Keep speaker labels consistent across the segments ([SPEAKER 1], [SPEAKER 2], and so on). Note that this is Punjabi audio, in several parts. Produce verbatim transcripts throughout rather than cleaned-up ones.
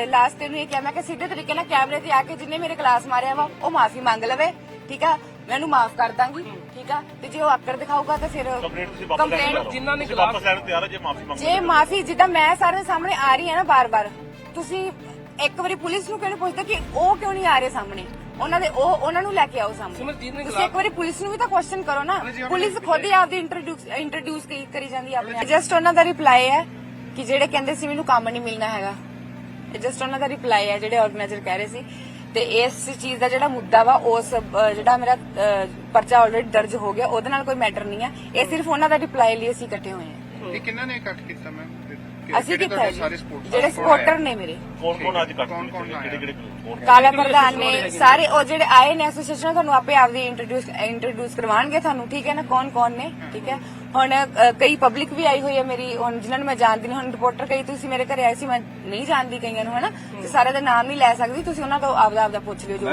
[SPEAKER 1] ਲਾਸਟ ਤੈਨੂੰ ਇਹ ਕਿਹਾ ਮੈਂ ਕਿ ਸਿੱਧੇ ਤਰੀਕੇ ਨਾਲ ਕੈਮਰੇ ਤੇ ਆ ਕੇ ਜਿੰਨੇ ਮੇਰੇ ਕਲਾਸ ਮਾਰਿਆ ਵਾ ਉਹ ਮਾਫੀ ਮੰਗ ਲਵੇ, ਠੀਕ ਆ, ਮੈਂ ਉਹਨੂੰ ਮਾਫ ਕਰ ਦਾਂਗੀ, ਠੀਕ ਆ। ਤੇ ਜੇ ਉਹ ਆਕੜ ਦਿਖਾਊਗਾ ਤਾਂ ਫਿਰ ਕੰਪਲੇਂਟ
[SPEAKER 2] ਜਿਨ੍ਹਾਂ ਨੇ ਵਾਪਸ ਲੈਣ ਤਿਆਰ ਹੈ, ਜੇ ਮਾਫੀ ਮੰਗ
[SPEAKER 1] ਜੇ ਮਾਫੀ ਜਿੱਦਾਂ ਮੈਂ ਸਾਰੇ ਸਾਹਮਣੇ ਆ ਰਹੀ ਹੈ ਨਾ ਬਾਰ-ਬਾਰ, ਤੁਸੀਂ ਇੱਕ ਵਾਰੀ ਪੁਲਿਸ ਨੂੰ ਕਿਉਂ ਨਹੀਂ ਪੁੱਛਦੇ ਕਿ ਉਹ ਕਿਉਂ ਨਹੀਂ ਆ ਰਹੇ ਸਾਹਮਣੇ, ਉਹਨਾਂ ਦੇ ਉਹ ਉਹਨਾਂ ਨੂੰ ਲੈ ਕੇ ਆਓ ਸਾਹਮਣੇ। ਤੁਸੀਂ ਇੱਕ ਵਾਰੀ ਪੁਲਿਸ ਨੂੰ ਵੀ ਤਾਂ ਕੁਐਸਚਨ ਕਰੋ ਨਾ, ਪੁਲਿਸ ਖੁਦ ਹੀ ਆਪਦੀ ਇੰਟਰੋਡਿਊਸ ਇੰਟਰੋਡਿਊਸ ਕਰੀ ਜਾਂਦੀ ਹੈ ਆਪਣੇ। ਜਸਟ ਉਹਨਾਂ ਦਾ ਰਿਪਲਾਈ ਹੈ ਕਿ ਜਿਹੜੇ ਕਹਿੰਦੇ ਸੀ ਮੈਨੂੰ ਕੰਮ ਨਹੀਂ ਮਿਲਣਾ ਹੈਗਾ, ਇਹ ਜਸਟ ਉਹਨਾਂ ਦਾ ਰਿਪਲਾਈ ਹੈ ਜਿਹੜੇ ਆਰਗੇਨਾਈਜ਼ਰ ਕਹਿ ਰਹੇ ਸੀ। ਤੇ ਇਸ ਚੀਜ਼ ਦਾ ਜਿਹੜਾ ਮੁੱਦਾ ਵਾ ਉਸ ਜਿਹੜਾ ਮੇਰਾ ਪਰਚਾ ਆਲਰੇਡੀ ਦਰਜ ਹੋ ਗਿਆ ਉਹਦੇ ਨਾਲ ਕੋਈ ਮੈਟਰ ਨਹੀਂ ਹੈ, ਇਹ ਸਿਰਫ ਉਹਨਾਂ ਦਾ ਰਿਪਲਾਈ ਲਈ ਅਸੀਂ ਇਕੱਠੇ ਹੋਏ ਹਾਂ।
[SPEAKER 3] ਇਹ ਕਿੰਨਾ ਨੇ ਇਕੱਠ ਕੀਤਾ ਮੈਮ?
[SPEAKER 1] ਅਸੀਂ ਕੀਤਾ ਜਿਹੜੇ ਸਪੋਰਟਰ ਨੇ ਮੇਰੇ,
[SPEAKER 2] ਕੌਣ ਕੌਣ ਅੱਜ ਕੱਟ ਕਿਹੜੇ ਕਿਹੜੇ
[SPEAKER 1] ਕਾਲਾ ਪ੍ਰਧਾਨ ਨੇ ਸਾਰੇ, ਉਹ ਜਿਹੜੇ ਆਏ ਨੇ ਐਸੋਸੀਏਸ਼ਨ ਤੁਹਾਨੂੰ ਆਪੇ ਆਪਦੀ ਇੰਟਰੋਡਿਊਸ ਇੰਟਰੋਡਿਊਸ ਕਰਵਾਉਣਗੇ ਤੁਹਾਨੂੰ, ਠੀਕ ਹੈ ਨਾ, ਕੌਣ ਕੌਣ ਨੇ, ਠੀਕ ਹੈ। ਹੁਣ ਕਈ ਪਬਲਿਕ ਵੀ ਆਈ ਹੋਈ ਹੈ ਮੇਰੀ, ਹੁਣ ਜਿਨ੍ਹਾਂ ਨੂੰ ਮੈਂ ਜਾਣਦੀ ਨਹੀਂ, ਹੁਣ ਰਿਪੋਰਟਰ ਕਈ ਤੁਸੀਂ ਮੇਰੇ ਘਰੇ ਆਏ ਸੀ, ਮੈਂ ਨਹੀਂ ਜਾਣਦੀ ਕਈਆਂ ਨੂੰ, ਹਨਾ, ਤੇ ਸਾਰੇ ਦਾ ਨਾਮ ਨਹੀਂ ਲੈ ਸਕਦੀ, ਤੁਸੀਂ ਉਹਨਾਂ ਤੋਂ ਆਪਦਾ ਆਪਦਾ ਪੁੱਛ ਲਿਓ ਜੋ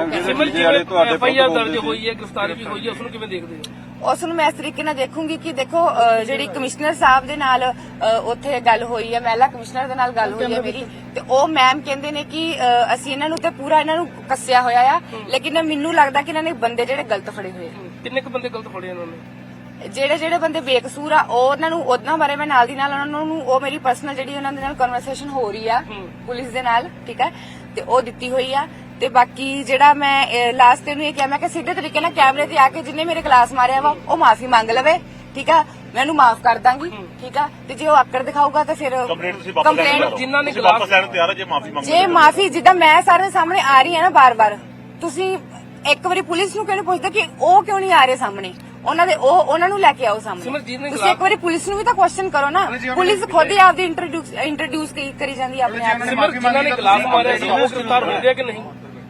[SPEAKER 2] ਐਫ ਆਈ ਆਰ ਦਰਜ ਹੋਈ ਹੈ, ਗ੍ਰਿਫਤਾਰੀ ਵੀ ਹੋਈ ਹੈ, ਉਸ ਨੂੰ ਕਿਵੇਂ ਦੇਖਦੇ ਹੋ?
[SPEAKER 1] ਉਸ ਨੂੰ ਮੈਂ ਇਸ ਤਰੀਕੇ ਨਾਲ ਦੇਖੂੰਗੀ ਕਿ ਦੇਖੋ ਜਿਹੜੀ ਕਮਿਸ਼ਨਰ ਸਾਹਿਬ ਦੇ ਨਾਲ ਉੱਥੇ ਗੱਲ ਹੋਈ ਹੈ, ਮਹਿਲਾ ਕਮਿਸ਼ਨਰ ਦੇ ਨਾਲ ਗੱਲ ਹੋਈ ਹੈ ਮੇਰੀ, ਤੇ ਉਹ ਮੈਮ ਕਹਿੰਦੇ ਨੇ ਕਿ ਅਸੀਂ ਇਹਨਾਂ ਨੂੰ ਤੇ ਪੂਰਾ ਇਹਨਾਂ ਨੂੰ ਕੱਸਿਆ ਹੋਇਆ ਆ, ਲੇਕਿਨ ਮੈਨੂੰ ਲੱਗਦਾ ਕਿ ਇਹਨਾਂ ਨੇ ਬੰਦੇ ਜਿਹੜੇ ਗਲਤ ਫੜੇ ਹੋਏ ਆ।
[SPEAKER 2] ਕਿੰਨੇ ਕੁ ਬੰਦੇ ਗਲਤ ਫੜੇ ਇਹਨਾਂ ਨੇ?
[SPEAKER 1] ਜਿਹੜੇ ਜਿਹੜੇ ਬੰਦੇ ਬੇਕਸੂਰ ਆ ਉਹ ਉਹਨਾਂ ਨੂੰ ਉਹਨਾਂ ਬਾਰੇ ਮੈਂ ਨਾਲ ਦੀ ਨਾਲ ਉਹਨਾਂ ਨੂੰ ਉਹ ਮੇਰੀ ਪਰਸਨਲ ਜਿਹੜੀ ਉਹਨਾਂ ਦੇ ਨਾਲ ਕਨਵਰਸੇਸ਼ਨ ਹੋ ਰਹੀ ਆ ਪੁਲਿਸ ਦੇ ਨਾਲ, ਠੀਕ ਹੈ, ਤੇ ਉਹ ਦਿੱਤੀ ਹੋਈ ਆ। ਤੇ ਬਾਕੀ ਜਿਹੜਾ ਮੈਂ ਲਾਸਟ ਤੈਨੂੰ ਇਹ ਕਿਹਾ ਮੈਂ ਕਿ ਸਿੱਧੇ ਤਰੀਕੇ ਨਾਲ ਕੈਮਰੇ ਤੇ ਆ ਕੇ ਜਿੰਨੇ ਮੇਰੇ ਕਲਾਸ ਮਾਰਿਆ ਵਾ ਉਹ ਮਾਫੀ ਮੰਗ ਲਵੇ, ਠੀਕ ਆ, ਮੈਂ ਉਹਨੂੰ ਮਾਫ ਕਰ ਦਾਂਗੀ, ਠੀਕ ਆ। ਤੇ ਜੇ ਉਹ ਆਕੜ ਦਿਖਾਊਗਾ ਤਾਂ ਫਿਰ ਕੰਪਲੇਂਟ
[SPEAKER 2] ਜਿਨ੍ਹਾਂ ਨੇ ਵਾਪਸ ਲੈਣ ਤਿਆਰ ਹੈ, ਜੇ ਮਾਫੀ ਮੰਗ
[SPEAKER 1] ਜੇ ਮਾਫੀ ਜਿੱਦਾਂ ਮੈਂ ਸਾਰੇ ਸਾਹਮਣੇ ਆ ਰਹੀ ਹੈ ਨਾ ਬਾਰ-ਬਾਰ, ਤੁਸੀਂ ਇੱਕ ਵਾਰੀ ਪੁਲਿਸ ਨੂੰ ਕਿਉਂ ਨਹੀਂ ਪੁੱਛਦੇ ਕਿ ਉਹ ਕਿਉਂ ਨਹੀਂ ਆ ਰਹੇ ਸਾਹਮਣੇ, ਉਹਨਾਂ ਦੇ ਉਹ ਉਹਨਾਂ ਨੂੰ ਲੈ ਕੇ ਆਓ ਸਾਹਮਣੇ। ਤੁਸੀਂ ਇੱਕ ਵਾਰੀ ਪੁਲਿਸ ਨੂੰ ਵੀ ਤਾਂ ਕੁਐਸਚਨ ਕਰੋ ਨਾ, ਪੁਲਿਸ ਖੁਦ ਹੀ ਆਪਦੀ ਇੰਟਰੋਡਿਊਸ ਇੰਟਰੋਡਿਊਸ ਕਰੀ ਜਾਂਦੀ ਹੈ ਆਪਣੇ ਆਪ ਨੂੰ।
[SPEAKER 2] ਜਿਨ੍ਹਾਂ ਨੇ ਗਲਾਸ ਮਾਰਿਆ ਸੀ ਉਹ ਗ੍ਰਿਫਤਾਰ ਹੋ ਗਿਆ ਕਿ ਨਹੀਂ?